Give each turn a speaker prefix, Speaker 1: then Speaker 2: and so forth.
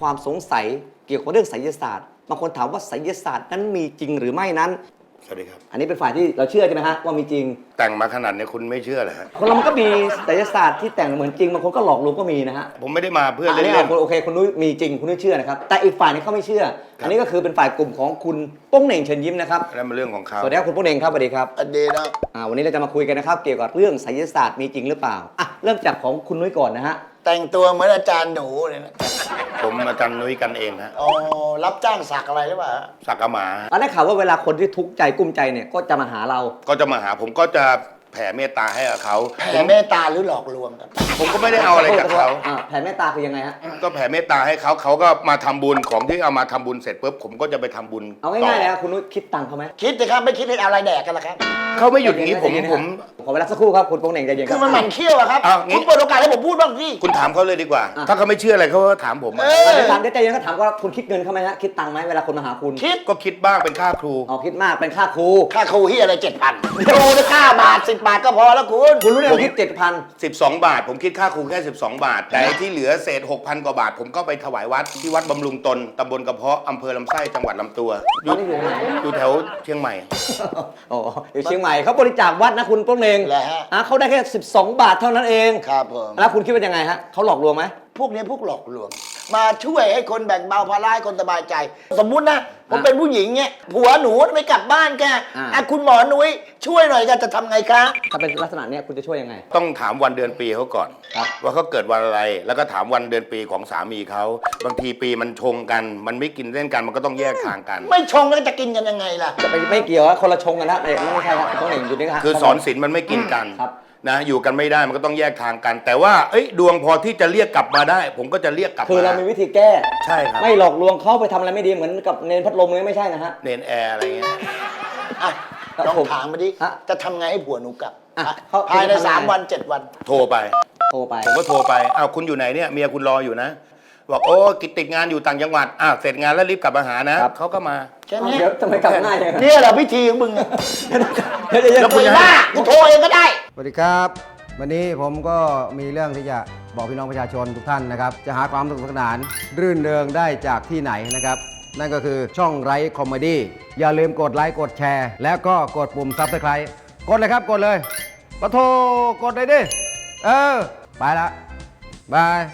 Speaker 1: ความสงสัยเกี่ยวกับเรื่องไสยศาสตร์บางคนถามว่าไสยศาสตร์นั้นมีจริงหรือไม่นั้น
Speaker 2: สวัสดีครับ
Speaker 1: อันนี้เป็นฝ่ายที่เราเชื่อใช่ไหมฮะว่ามีจริง
Speaker 2: แต่งมาขนาดนี้คุณไม่เชื่อเหรอฮะ
Speaker 1: คนเรามันก็มีไสยศาสตร์ที่แต่งเหมือนจริงบางคนก็หลอกลวงก็มีนะฮะ
Speaker 2: ผมไม่ได้มาเพื่อเล่น
Speaker 1: โอเคคุณนุ้ยมีจริงคุณนุ้ยเชื่อนะครับแต่อีกฝ่ายนึงเขาไม่เชื่ออันนี้ก็คือเป็นฝ่ายกลุ่มของคุณโป้งเหน่งเชิญยิ้มนะครับ
Speaker 2: นั่นเป็นเรื่องของเขา
Speaker 1: สวัสดีครับคุณโป้งเหน่งครับสวัสดีครับ
Speaker 3: อดีนะ
Speaker 1: วันนี้เราจะมาคุยกันนะครับเกี่ยวกับเรื่องไสยศาสตร์มีจริงหรือเปล่าเริ่มจากของคุณนุ้ยก่อนนะฮะ
Speaker 3: แต่งตัวเหมือนอาจารย์หนูเลยนะ
Speaker 2: ผมอาจารย์นุ้ยกันเองฮะ
Speaker 3: อ๋อรับจ้างสักอะไรหรือเปล่า
Speaker 2: สักกะหมา
Speaker 1: ได้ข่าวว่าเวลาคนที่ทุกข์ใจกุ้มใจเนี่ยก็จะมาหาเรา
Speaker 2: ก็จะมาหาผมก็จะแผ่เมตตาให้กับเขา
Speaker 3: แผ่เมตตาหรือหลอกลวงกัน
Speaker 2: ผมก็ไม่ได้เอาอะไรจากเขา
Speaker 1: แผ่เมตตาคือยังไงฮะ
Speaker 2: ก็แผ่เมตตาให้เขาเขาก็มาทำบุญของที่เอามาทำบุญเสร็จปุ๊บผมก็จะไปทำบุญ
Speaker 1: เอาง่ายๆเลยครับคุณนุ้ยคิดตังค์เขาไหม
Speaker 3: คิดสิครับไม่คิดให้อะไรแดกกันล่ะครับ
Speaker 2: เขาไม่หยุดอย่างนี้ผม
Speaker 1: ขอเวลาสักครู่ครับคุณโป้งเหน่งใจเย็น
Speaker 3: คือมันหมั่นเขี้ยวอะครับคุณเปิดโอกาสให้ผมพูดบ้างสิ
Speaker 2: คุณถามเขาเลยดีกว่าถ้าเขาไม่เชื่ออะไรเขาก็ถามผม
Speaker 1: เดี๋ยวถามใจเย็นก็ถามว่าคุณคิดเงินเขาไหมฮะคิดตังค์ไหมเวลาคนมาหาคุณ
Speaker 3: คิด
Speaker 2: ก็คิดบ้างเป็นค่าครู
Speaker 1: คิดมากเป็นค่าครู
Speaker 3: ที่อะไร7,000ครูได้9 บาท10 บาทก็พอแล้วคุณ
Speaker 1: รู้ได้คิด
Speaker 2: 12 บาทผมคิดค่าครูแค่12 บาทแต่ที่เหลือเศษ 6,000 กว่าบาทผมก็ไปถวายวัดที่วัดบำรุงตนตำบลกระเพาะอำเภอลำไส้จังหวัดลำตัวอยู่แถวเชียงใหม่
Speaker 1: อยู่เชียงใหม่เขาบริจาควัดนะคุณโป้งเหน่งเขาได้แค่12 บาทเท่านั้นเอง
Speaker 3: ครับผม
Speaker 1: แล้วคุณคิดว่ายังไงฮะเขาหลอกลวงไหม
Speaker 3: พวกนี้พวกหลอกลวงมาช่วยให้คนแบ่งเบาภาระให้คนสบายใจสมมุตินะผมเป็นผู้หญิงเนี่ยผัวหนูไม่กลับบ้านแกคุณหมอนุ้ยช่วยหน่อยกันจะทำไงคะ
Speaker 1: ถ้าเป็นลักษณะนี้คุณจะช่วยยังไง
Speaker 2: ต้องถามวันเดือนปีเขาก่อนว่าเขาเกิดวันอะไรแล้วก็ถามวันเดือนปีของสามีเขาบางทีปีมันชงกันมันไม่กินเล่นกันมันก็ต้องแยกทางกัน
Speaker 3: ไม่ชงแล้วจะกินกันยังไงล่ะ
Speaker 1: จะไม่เกี่ยวคนละชงกันนะไม่ใช่ครับต้องเหน่งอยู่นี่ครับ
Speaker 2: คือสอนศีลมันไม่กินกันนะอยู่กันไม่ได้มันก็ต้องแยกทางกันแต่ว่าดวงพอที่จะเรียกกลับมาได้ผมก็จะเรียกกลับมา
Speaker 1: คือเรามีวิธีแก้
Speaker 2: ใช่ครับ
Speaker 1: ไม่หลอกลวงเขาไปทำอะไรไม่ดีเหมือนกับเนนพัดลมเลยไม่ใช่นะฮะ
Speaker 2: เนนแอร์อะไรเงี้ย
Speaker 3: ลองถามมาดิจะทำไงให้ผัวหนูกลับภายใน3 วัน 7 วัน
Speaker 2: โทรไปผมก็โทรไปคุณอยู่ไหนเนี่ยเมียคุณรออยู่นะบอกโอ้กิจติดงานอยู่ต่างจังหวัดเสร็จงานแล้วรีบกลับมาหานะเขาก็มา
Speaker 3: แค่นี้
Speaker 1: ทำไมกลับง่าย
Speaker 3: เนี่ยเหรอพิธีของมึง
Speaker 1: แล้ว
Speaker 3: คุณว่ากูโทรเองก็ได้
Speaker 4: สวัสดีครับวันนี้ผมก็มีเรื่องที่จะบอกพี่น้องประชาชนทุกท่านนะครับจะหาความสนุกสนานรื่นเริงได้จากที่ไหนนะครับนั่นก็คือช่องไร้คอมเมดี้อย่าลืมกดไลค์กดแชร์แล้วก็กดปุ่มซับสไครต์กดเลยครับกดเลยปะโทกดเลยดิไปละบาย